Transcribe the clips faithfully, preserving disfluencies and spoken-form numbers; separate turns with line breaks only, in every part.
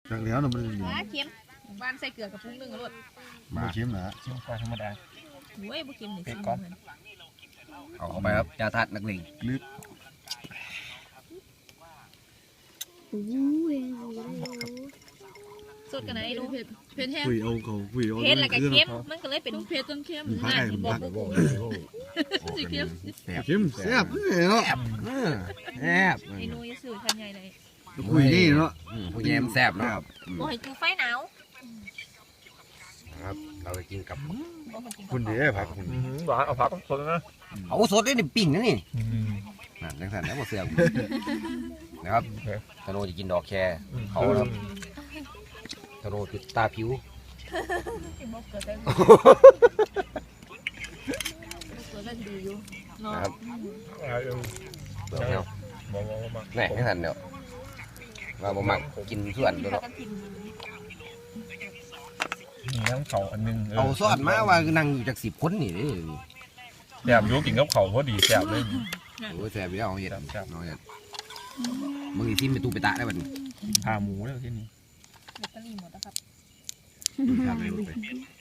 จากแล้วเราไม่ได้ยิน
ว้าเค็มบ้านใส่เกลือกับปรุงหนึ่งรส
มาเค็มนะ
ชิมปลาธรรมดา
โอ้ยบุเค็มหนึ่ง
เป็ดก่อน
เอาเข้าไปครับยาธาตุนักเลง
ลึก
สดกันไหนดูเผ็ดเผ็ดแห้ง
คุยเอาเขาคุยเอา
เผ็ดแล้วก็เค็มมันก็เลยเป็นเผ็ดต้นเค็ม
มันพักไอ้มันพัก
สีเค็ม
เค็มแซ่บเนาะ
แซ่บ
ไอ้นูยสื่อทันใหญ่เลย
คุยนี่เนาะ
ผู้แยมแซ่บเนาะ
โอ้ยจูไฟหนาว
ครับเราจะกินกับ
คุณดีผักคุณ
หวานเอาผักสดนะ
เอาสดได้ในปิ้งนะนี่นั่นจังสันแล้วหมดเสือนะครับธโนจะกินดอกแคร์เขาครับธโนจุดตาผิว
บอกเกิดได้เกิดได้ดีอยู่เนาะ
นะครับ
เดี๋
เดี๋ยว
ยวบอกว่ามา
แน่จังสันเดี๋ยวเราบ่มักกินส่วนตัวเนาะ
มีน้ำเขาอันนึง
เอาซอสมาว่านั่งอยู่จากสิบคนนี่เด้
แซ่บอยู่กินกับเขาพอดีแซ่บเลย
โอ้ยแซ่บอยู่แล้วเอาเห็ด
แซ่บ
เอาเห็ดมึงอีซิมไปตูไปตะได้บัดนี้
พาหมูแล้วที่นี่
แบตเตอรี่หมดแล้วครับ
ทำอะไรไป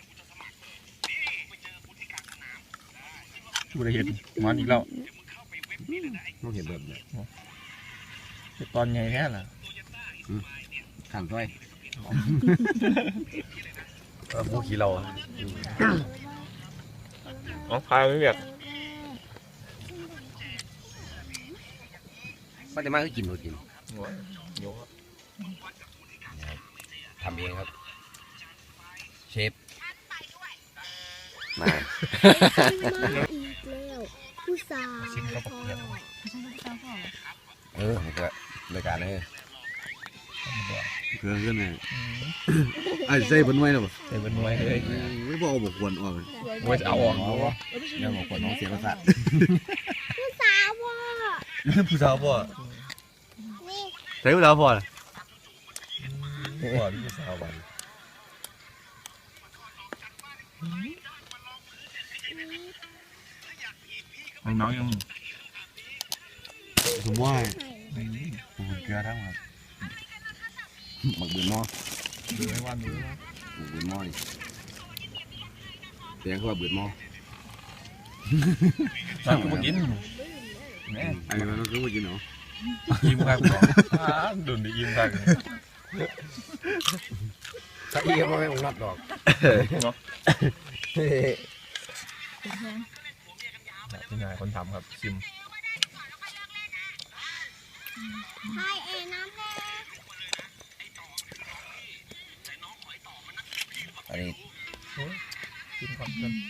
ชูได้เห็ดมันอีกแล้ว
ต้องเห็ดแบบนี้
ตอนใหญ่แค่ล่ะ
ขันถ้วย
พวกขี้เราอ๋อพาไม่เบียด
ป้าจะมาก็กินหมดกิน
หัวโยก
ทำเองครับ เชฟมา
มาอีกแล้วผู้สาว
ชิมกับเพียง
เออนี่ก็รายการเลย
เกลือขึ้นไงไอ้ใส่บนไว้หรอ
ใส่เป็นมวยเลย
ไม่บอกบอกควรออก
มวยจะเอาออก
ยังบอกคนน้องเสียประสาท
ผู้สาวพ่อ
ผู้สาวพ่อ
นี่
ใส่ผู้สาวพ่อ
หัวที่สาววันน้องยัง
สมว่า
ไข่
เกลือทั้งหมด
หมักบืนหม้อ
ดูให้วันดูนะ
หมักบืนหม้อนี่เสียงเขาว่าบืนหม้อ
มันก็มากินแม่
ไอ้มันก็มากินเนาะ
ยิ้มครับดุนดียิ้มครับ
ถ้าอีก็ไม่องนับดอก
เนาะ
เผ็ดแห้ง
ที่นายคนทำครับชิม
ไข่เอ็น้ำแดง
อันนี้
ชิมก่อนกัน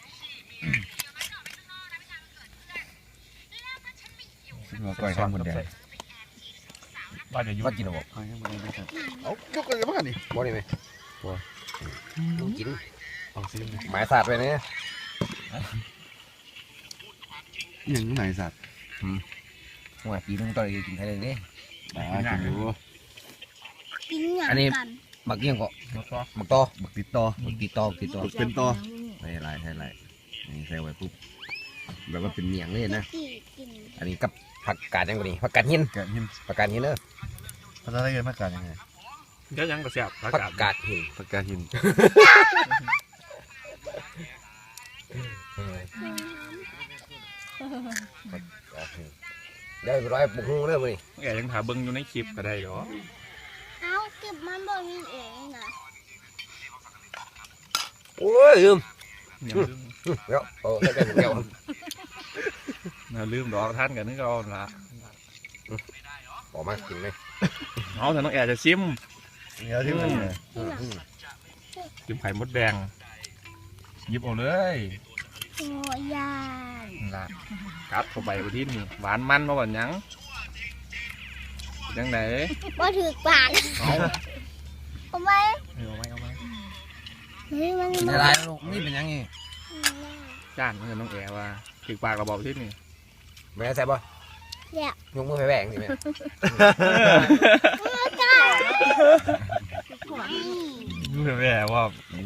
มาก่อยข้าวมันแดง
บ้านจะยุ่
ว่ากินหรอบอก
เอายกอะไรมาดิ
บ่ได้ไหมบ่ดูกิน
เอาซิม
หมายสาดไปเนี่ย
ยังไหนสัตว์
หัวปีนึงต่อยกินไทยเลยนี่
อ่ากินอยู่
กินอย่าง
อันนี้
กัน
หมักเยี่ยงก็
แล้วก็
หมักตอหมักติดตอหมักติดตอติดตอ
เป็นต่อ
ใช่ไรใช่ไรนี่ใส่ไว้ปุ๊บแบบว่าเป็นเมียงเลยนะ
กี่กิน
อันนี้กับผักกาดยังกว่านี้ผักกาดหิน
แกะหิน
ผักกาดหินเนอะ
ภาษาไทยเรียกผักกาดยังไง
ก็ยังกระเสียบ
ผักกาดหิน
ผักกาดหิน
เดี๋ยวไปร้อยปุกหุ้งเริ่มเลย
แกยังถาเบิ้งอยู่ในคลิปก็ได้หรอ
เอาเก็บมันบนนี้เองนะ
โอ้ยลืม
อย่าลืม
เดี๋ยวโอ้ใส่กันเดียว
อย่าลืมดอกท่านกันนึกเอาละ
ออกมากินเลย
เอาแต่น้องแอร์จะชิม
เดี๋ยวที่มัน
ชิมไข่มดแดงหยิบเอาเลย
โอ้ยาน
ละกัดเข้าไปบนที่นี่หวานมันมาหวานยังยังไหน
ว่าถือปาก
เอา
ทำไม
เอาไหมเอาไหม
เฮ้ยมัน
กินอะไรลูกนี่เป็นยังไง
จ้านเงินน้องแอร์ว่าถึกปากเราบอกที่นี่
แม่ใส่ป่ะ
เนี่ย
ยกมือไปแบ่งสิแม่
จ้า
รู้ไหมว่า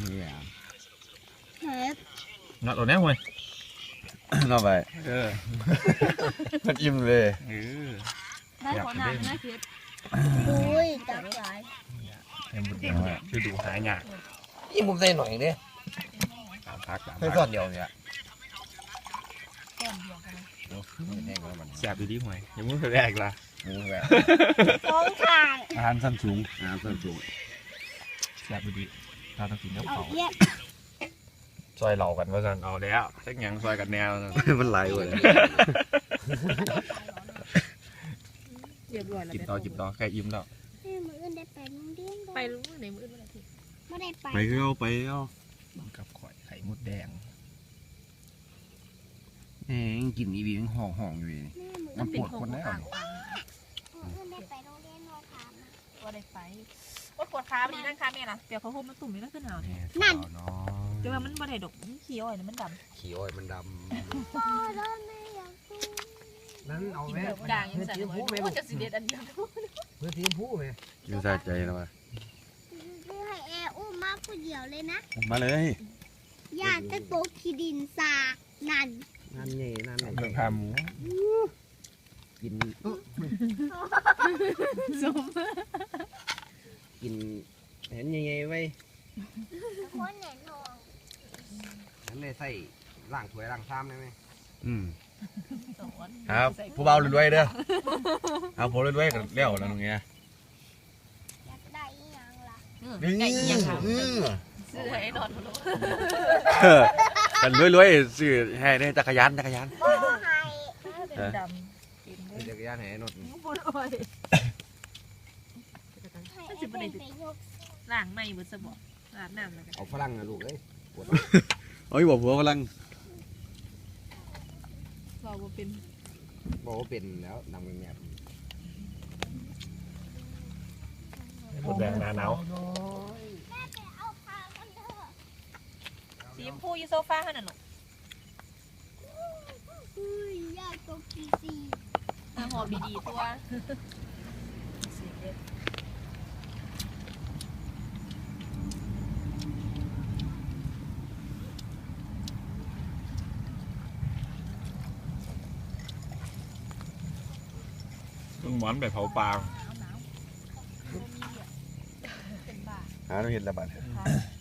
เฮ็ด
นัดตัวนี้เว้ย
นอกไป
เออ
มันอิ่มเลย
เออ
ได้ขอน้ำนะเผ็ด
ดุยจับใจ
ให้หมดแดงคือดูหายาก
นี่ผมใส่หน่อยเด้
ตามพักตาม
ใส่
พั
ซอก สเดียวเนี่ย
แก้มเดียวกันเลย
โอ้ยแห้งแล้วมัน
แซ่บดีๆหวยยังมึงเคยแรกละ
หมูแบบ
สองข้าง
อาหารสั้นสูง
น้ำส้นสูง
แซ่บดีๆเราต้องกินกับ
เอา
เขา
เยี่ยม
ซอยเหล่ากันว่าสันเอาแล้วสักอย่างซอยกันแนว
มันไหลเว้ย
เรียบร้อยแล้ว
กินต่อกินต่อแค่อิ่มแล้ว
แม่มืออื่นได้ไปโรงเรียน
ไป
ไป
รู้ในมือวันอาทิตย์
ไม่ได้ไป
ไปก็เอาไปเอา
กับข่อยไข่มดแดง
เอ้ยกินอีวีมันห่องห่องอยู่นี่
แม่มือ
มันปวดคนแล้ว
ต่าง
มืออื่นได้ไปโรงเรียนนอนถามนะ
ว่าได้ไปว่าปวดขาดีนั่งขาแม่ล่ะเดี๋ยวเขาห่มมันตุ่มนี่ก็ขึ้นหนาวเนี่ย
นั่นเนาะ
เดี๋ยวมันบ่ได้ดอกมันเขียวเนี่ยมันดำ
ขี้อ้อยมันด
พ่อแล้วแม่อยากดู
ำนั่นเอา
กิน
แม่
แบบด่างยังสั่นเลยโอ้จะสิเด็ดอันเดียว
เพื่อทีมผู้ไหม
กินสะใจแล้วว่ะ
คือให้แอร์อุ้มมาผู้เดียวเลยนะ
มาเลย
ญาติจะโตกขี้ดินสานั่น
นั่นนี่นั่น
เรื่องขาหมู
กิน
สม
กินเห็นยังไงไว้
คนแหนทอง
นั่นเลยใส่ล่างถ้วยล่างซ้ำได้ไหม
อืม
สอน
ครับผู้เบารวยๆเด้อเอาผมรวยๆกันแล้วแล้วตรงเนี้ย
อยากได้อีหยังล่ะ
นี่
ไก่ยังค่ะ
อืม
ซื้อให้นอนมาโล
กันรวยๆซื้อให้ได้จักรยานจักรยาน
พ่อให้
เป็นดำกินได้
จักรยานแห่นด
ปวดอ้อย
ให้แอร์เป็นไปยก
ล้างไม่เบิดสมองอาบน้ำแล้วกัน
เอาฝรั่งนะลูกเอ้ยปวด
โอ้ยบอกผัวกำลัง
เราบ่เป็น
บอกว่าเป็นแล้วนำเงียบ
มดแดงหนาหนาว
เอาพากันเถอะ
สีชมพูอยู่โซฟาขนาดหนู
อุ้ยญาติโตกขี้ซี
หอมดีๆตัวสีเด็ด
ต้นหมอนไปเผาปลา
หนาวหนาวบ่มีเดียเป็นบ้า
หาต้องเห็นระบาด
ค่ะ